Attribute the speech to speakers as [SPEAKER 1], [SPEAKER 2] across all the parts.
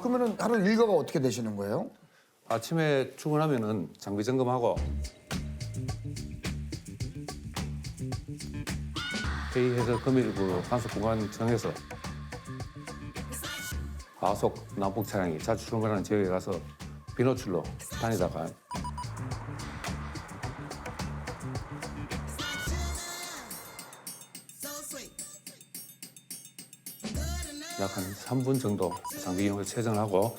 [SPEAKER 1] 그러면은 하루 일과가 어떻게 되시는 거예요?
[SPEAKER 2] 아침에 출근하면은 장비 점검하고 회의해서 금일부 단속 공간 정해서 과속 난폭 차량이 자주 출근하는 지역에 가서 비노출로 다니다가 약 한 3분 정도 장비 이용을 세정하고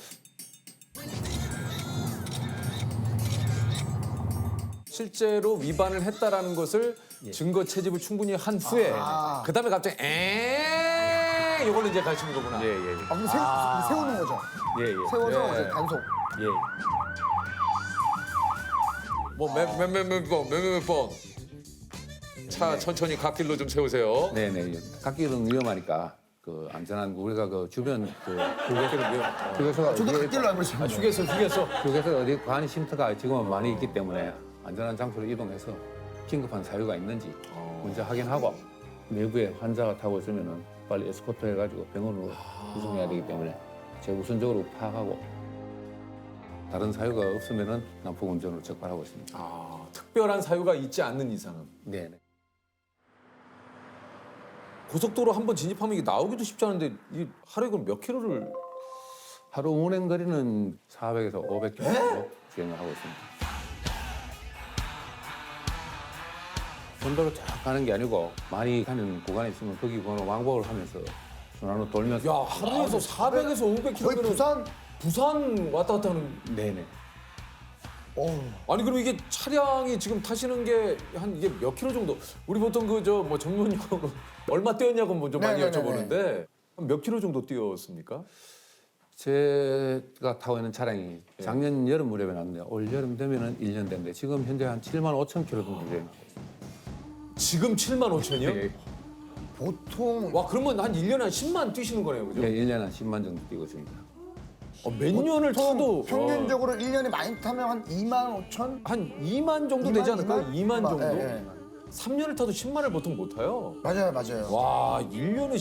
[SPEAKER 3] 실제로 위반을 했다라는 것을 증거 채집을 충분히 한 후에 그다음에 갑자기 이걸로 이제 가시는 거구나.
[SPEAKER 2] 예.
[SPEAKER 1] 아, 그럼 세우는 거죠?
[SPEAKER 2] 예.
[SPEAKER 1] 세워서
[SPEAKER 3] 예.
[SPEAKER 1] 이제 단속.
[SPEAKER 2] 예.
[SPEAKER 3] 뭐몇 번. 차 천천히 갓길로 좀 세우세요.
[SPEAKER 2] 네네. 갓길은 위험하니까 그 안전한 우리가 그 주변 그 휴게소가
[SPEAKER 1] 저도
[SPEAKER 2] 어디에
[SPEAKER 1] 갓길로 알고 있습니다.
[SPEAKER 3] 휴게소.
[SPEAKER 2] 어디 관이 쉼터가 지금은 많이 있기 때문에 안전한 장소로 이동해서 긴급한 사유가 있는지 먼저 확인하고 내부에 환자가 타고 있으면은 빨리 에스코트 해가지고 병원으로 이송해야 되기 때문에 제가 우선적으로 파악하고 다른 사유가 없으면은 난폭 운전으로 적발하고 있습니다.
[SPEAKER 3] 특별한 사유가 있지 않는 이상은.
[SPEAKER 2] 네네.
[SPEAKER 3] 고속도로 한 번 진입하면 이게 나오기도 쉽지 않은데 이 하루에 그럼 몇 킬로를
[SPEAKER 2] 하루 운행 거리는 400에서 500km 정도 주행을 하고 있습니다. 본도로 쫙 가는 게 아니고 많이 가는 구간이 있으면 거기 번호 왕복을 하면서 순환로 돌면서
[SPEAKER 3] 야 하루에서 400에서 500
[SPEAKER 1] 거의
[SPEAKER 3] 킬로면
[SPEAKER 1] 부산.
[SPEAKER 3] 왔다 갔다 하는.
[SPEAKER 2] 네네.
[SPEAKER 3] 아니 그럼 이게 차량이 지금 타시는 게 한 이게 몇 킬로 정도? 우리 보통 그 저 뭐 전문용어로 얼마 뛰었냐고 먼저 많이
[SPEAKER 1] 네네네네.
[SPEAKER 3] 여쭤보는데 한 몇 킬로 정도 뛰었습니까?
[SPEAKER 2] 제가 타고 있는 차량이 작년 여름 무렵에 났는데 올 여름 되면은 1년 됐는데 지금 현재 한 7만 5천 킬로 정도 주행.
[SPEAKER 3] 지금 7만 5천이요?
[SPEAKER 2] 예.
[SPEAKER 1] 보통
[SPEAKER 3] 와 그러면 한 1년에 한 10만 뛰시는 거네요, 그죠?
[SPEAKER 2] 예, 1년에 한 10만 정도 뛰고 있습니다.
[SPEAKER 3] 몇 년을 타도
[SPEAKER 1] 평균적으로 1년에 많이 타면 한 2만 5천?
[SPEAKER 3] 한 2만 정도 되지 않을까요? 2만 정도?
[SPEAKER 1] 예.
[SPEAKER 3] 3년을 타도 10만을 보통 못 타요.
[SPEAKER 1] 맞아요.
[SPEAKER 3] 와 1년에